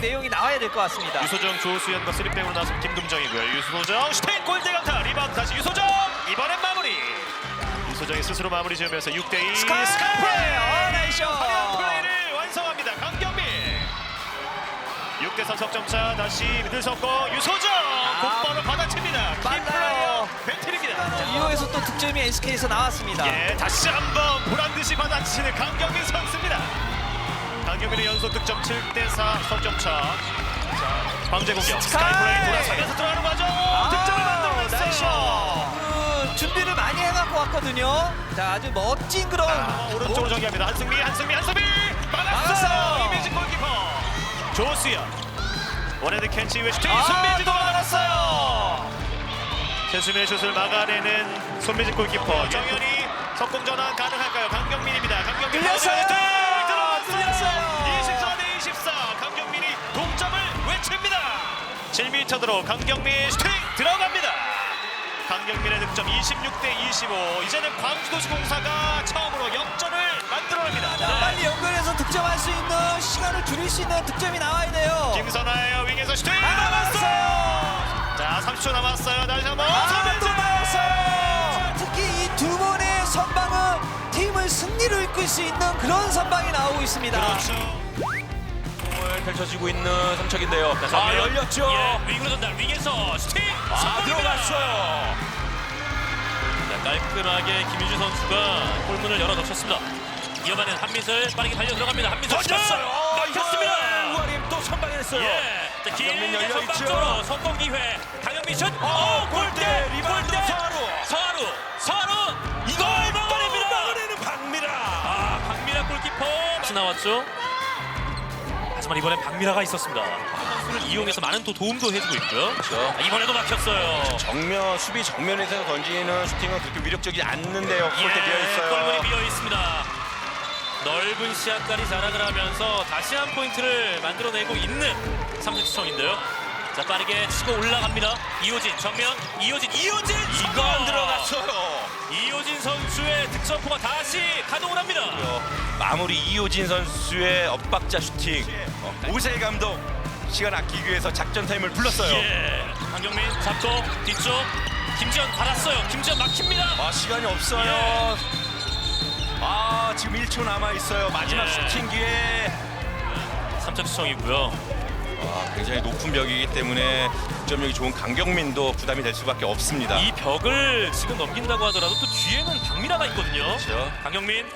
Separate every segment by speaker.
Speaker 1: 내용이 나와야 될 것 같습니다.
Speaker 2: 유소정, 조수현과 3백으로 나선 김금정이고요. 유소정 슈팅 골대 강타 리바운드 다시 유소정 이번엔 마무리. 유소정이 스스로 마무리 지으면서 6대2
Speaker 1: 스카이플레이! 나이스 샷!
Speaker 2: 화려한 플레이를 완성합니다. 강경민 6대3 석점차 다시 미들 섞고 유소정 곧바로 받아칩니다. 키플레이어 배틀입니다.
Speaker 1: 이후에서 또 득점이 SK에서 나왔습니다.
Speaker 2: 예, 다시 한번 보란듯이 받아치는 강경민 선수입니다. 강경민의 연속 득점 7대4 석점차. 자, 광재 공격 스카이플레이 돌아서면서 들어가는 과정 득점을 만들어냈어요.
Speaker 1: 준비를 많이 해갖고 왔거든요. 자, 아주 멋진 그런
Speaker 2: 오른쪽으로 전개합니다. 한승미 막았어요. 이미지 골키퍼 조수현 원헤드 캔치 이후에 슈팅 손미지도 막았어요. 최수민의 슛을 막아내는 손미지 골키퍼. 정현이 석공 전환 가능할까요? 강경민입니다. 강경민
Speaker 1: 들렸어요.
Speaker 2: 들어갔어요. 24대24 강경민이 동점을 외칩니다. 7m 들어 강경민 슈팅 들어갑니다. 강경민의 득점 26대25. 이제는 광주도시공사가 처음으로 역전을 만들어냅니다.
Speaker 1: 빨리 연결해서 득점할 수 있는 시간을 줄일 수 있는 득점이 나와야 돼요.
Speaker 2: 김선아예요. 윙에서 슈팅
Speaker 1: 막았어요.
Speaker 2: 자, 30초 남았어요. 다시 한번
Speaker 1: 또 막았어요. 특히 이 두 번의 선방은 팀을 승리로 이끌 수 있는 그런 선방이 나오고 있습니다.
Speaker 2: 그렇죠.
Speaker 3: 펼쳐지고 있는 삼척인데요. 열렸죠.
Speaker 4: 예, 윙으로 전달, 윙에서 슈팅! 성공입니다.
Speaker 3: 들어갔어요.
Speaker 4: 자, 깔끔하게 김유주 선수가 골문을 열어놓쳤습니다. 이어가는 한민슬 빠르게 달려 들어갑니다. 한민슬
Speaker 3: 던졌어요.
Speaker 4: 막혔습니다.
Speaker 3: 우아림 또 선방했어요.
Speaker 4: 예, 자,
Speaker 3: 강경민
Speaker 4: 길게
Speaker 3: 열려있죠.
Speaker 4: 선방쪽으로 성공 기회. 강영민 슛. 골대!
Speaker 3: 리바운드
Speaker 4: 서하루 이걸 막아냅니다.
Speaker 3: 막아내는 박미라.
Speaker 4: 박미라 골키퍼 다시 나왔죠. 하지만 이번엔 박미라가 있었습니다. 선수를 이용해서 많은 또 도움도 해주고 있고요.
Speaker 3: 그렇죠.
Speaker 4: 이번에도 막혔어요.
Speaker 3: 정면 수비 정면에서 던지는 슈팅은 그렇게 위력적이지 않는데요. 골대 비어 있어요.
Speaker 4: 골문이 비어 있습니다. 넓은 시야까지 자랑을 하면서 다시 한 포인트를 만들어내고 있는 삼성시청인데요. 자, 빠르게 치고 올라갑니다. 이호진 정면 이호진
Speaker 3: 이거 안 들어갔어요.
Speaker 4: 이호진 선수의 득점포가 다시 가동을 합니다.
Speaker 3: 마무리 이호진 선수의 엇박자 슈팅. 오세 감독 시간 아끼기 위해서 작전 타임을 불렀어요.
Speaker 4: 예, 강경민 잡고 뒤쪽 김지현 받았어요. 김지현 막힙니다.
Speaker 3: 시간이 없어요. 지금 1초 남아 있어요. 마지막
Speaker 4: 예.
Speaker 3: 슈팅 기회.
Speaker 4: 삼성시청이고요.
Speaker 3: 굉장히 높은 벽이기 때문에 득점력이 좋은 강경민도 부담이 될 수밖에 없습니다.
Speaker 4: 이 벽을 지금 넘긴다고 하더라도 또 뒤에는 박미라가 있거든요.
Speaker 3: 그렇죠.
Speaker 4: 강경민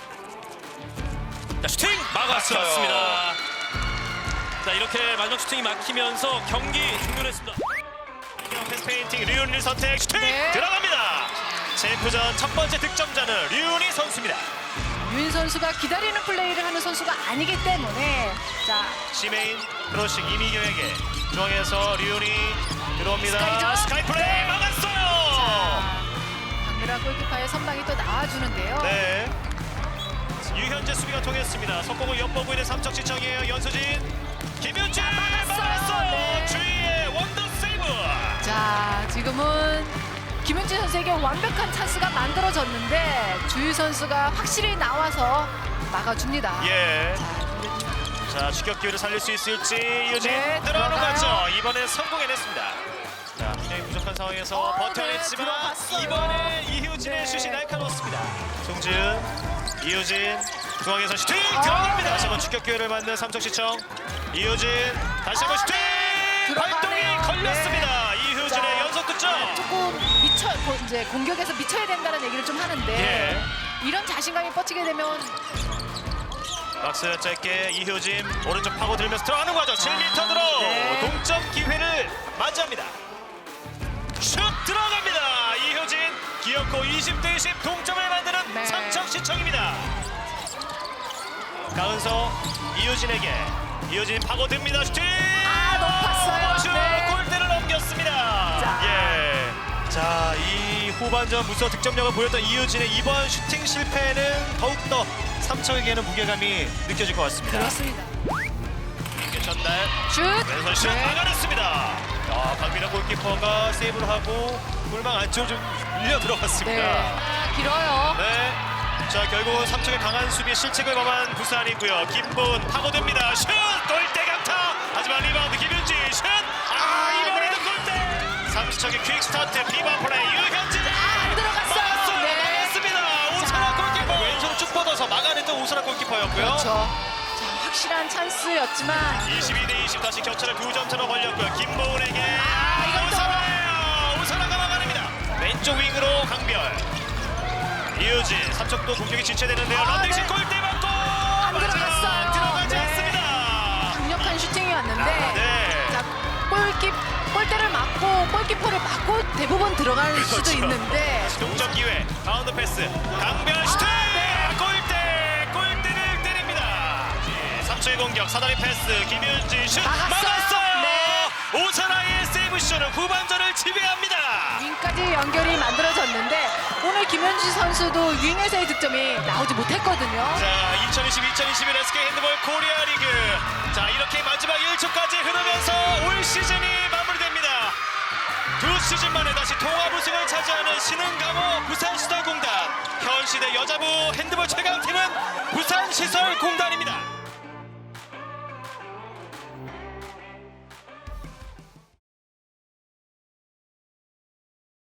Speaker 4: 자, 슈팅 막았습니다. 자, 이렇게 마지막 슈팅이 막히면서 경기 종료를 했습니다.
Speaker 2: 패스 페인팅 류은일 선택 슈팅 들어갑니다. 챔프전 첫 번째 득점자는 류은희 선수입니다.
Speaker 5: 유인 선수가 기다리는 플레이를 하는 선수가 아니기 때문에 자
Speaker 2: 시메인 크로싱 이미경에게 중앙에서 류은희 들어옵니다.
Speaker 5: 스카이죠?
Speaker 2: 스카이플레이 막았어요.
Speaker 5: 박미라 골키퍼의 선방이 또 나와주는데요.
Speaker 2: 네. 유현재 수비가 통했습니다. 속공을 엿보고 있는 삼척시청이에요. 연수진 김윤재 막았어요.
Speaker 5: 네.
Speaker 2: 주위의 원더 세이브.
Speaker 5: 자 지금은 김윤지 선수에게 완벽한 찬스가 만들어졌는데 주유 선수가 확실히 나와서 막아줍니다.
Speaker 2: 예. 자, 추격 기회를 살릴 수 있을지 이효진
Speaker 5: 네,
Speaker 2: 들어가는
Speaker 5: 들어가요.
Speaker 2: 거죠. 이번에 성공해냈습니다. 자, 굉장히 부족한 상황에서 버텨냈지만
Speaker 5: 들어갔어요.
Speaker 2: 이번에 이효진의 슛이 날카로웠습니다. 송지은, 이효진 중앙에서 슈팅 들어갑니다. 다시 한번 추격 기회를 맞는 삼척시청. 이효진 다시 한번 슈팅 발동이
Speaker 5: 들어가네요.
Speaker 2: 걸렸습니다. 이효진의
Speaker 5: 자,
Speaker 2: 연속 득점.
Speaker 5: 조금 이제 공격에서 미쳐야 된다는 얘기를 좀 하는데
Speaker 2: 예.
Speaker 5: 이런 자신감이 뻗치게 되면
Speaker 2: 박스 짧게 이효진 오른쪽 파고 들면서 들어가는 과정 7m 들어
Speaker 5: 네.
Speaker 2: 동점 기회를 맞이합니다. 슛 들어갑니다. 이효진 기어코 20대20 동점을 만드는
Speaker 5: 네.
Speaker 2: 삼척시청입니다. 가은서 이효진에게 이효진 파고듭니다. 슈팅
Speaker 5: 높았어요.
Speaker 2: 슛
Speaker 5: 네.
Speaker 2: 골대를 넘겼습니다.
Speaker 5: 자.
Speaker 2: 예. 자, 이 후반전 무서 득점력을 보였던 이효진의 이번 슈팅 실패는 더욱더 삼척에게는 무게감이 느껴질 것 같습니다.
Speaker 5: 그렇습니다.
Speaker 2: 전날
Speaker 5: 슛!
Speaker 2: 왼손 슛
Speaker 5: 네.
Speaker 2: 막아냈습니다. 박민아 골키퍼가 세이브를 하고 골망 안쪽으로 좀 밀려 들어갔습니다.
Speaker 5: 네. 길어요.
Speaker 2: 네. 자, 결국 삼척의 강한 수비에 실책을 범한 부산이고요. 김보은 파고듭니다. 슛! 골대 강타! 마지막 리바운드 김윤지 슛! 이번에도 골대! 삼수척의 퀵 스타트 비바 플레이 유현진!
Speaker 5: 안 들어갔어요. 네.
Speaker 2: 막았습니다. 오사라 골키퍼 왼손을 쭉 뻗어서 막아냈던 오사라 골키퍼였고요.
Speaker 5: 그렇죠. 자, 확실한 찬스였지만
Speaker 2: 22대 20 다시 격차를 2점 차로 벌렸고요. 김보은에게
Speaker 5: 이것도.
Speaker 2: 오사라예요. 오사라가 막아냅니다. 왼쪽 윙으로 강별. 이우진 3척도 공격이 지체되는데요. 런닝슛
Speaker 5: 네.
Speaker 2: 골대 맞고
Speaker 5: 안 들어갔어요.
Speaker 2: 들어가지
Speaker 5: 네.
Speaker 2: 않습니다.
Speaker 5: 강력한 슈팅이 왔는데
Speaker 2: 네.
Speaker 5: 자, 골대를 맞고 골키퍼를 맞고 대부분 들어갈 수도
Speaker 2: 그렇죠.
Speaker 5: 있는데
Speaker 2: 동점 기회. 바운드 패스. 강별 슈팅! 골대를 때립니다. 3초의 공격. 사다리 패스. 김윤지 슛 막았어요.
Speaker 5: 네.
Speaker 2: 오사라의 세이브쇼는 후반전을 지배합니다.
Speaker 5: 윙까지 연결이 만들어졌는데 오늘 김현지 선수도 윙에서의 득점이 나오지 못했거든요.
Speaker 2: 자, 2020-2021 SK 핸드볼 코리아 리그. 자, 이렇게 마지막 1초까지 흐르면서 올 시즌이 마무리됩니다. 두 시즌 만에 다시 통합 우승을 차지하는 신흥강호 부산시설공단. 현시대 여자부 핸드볼 최강팀은 부산시설공단입니다.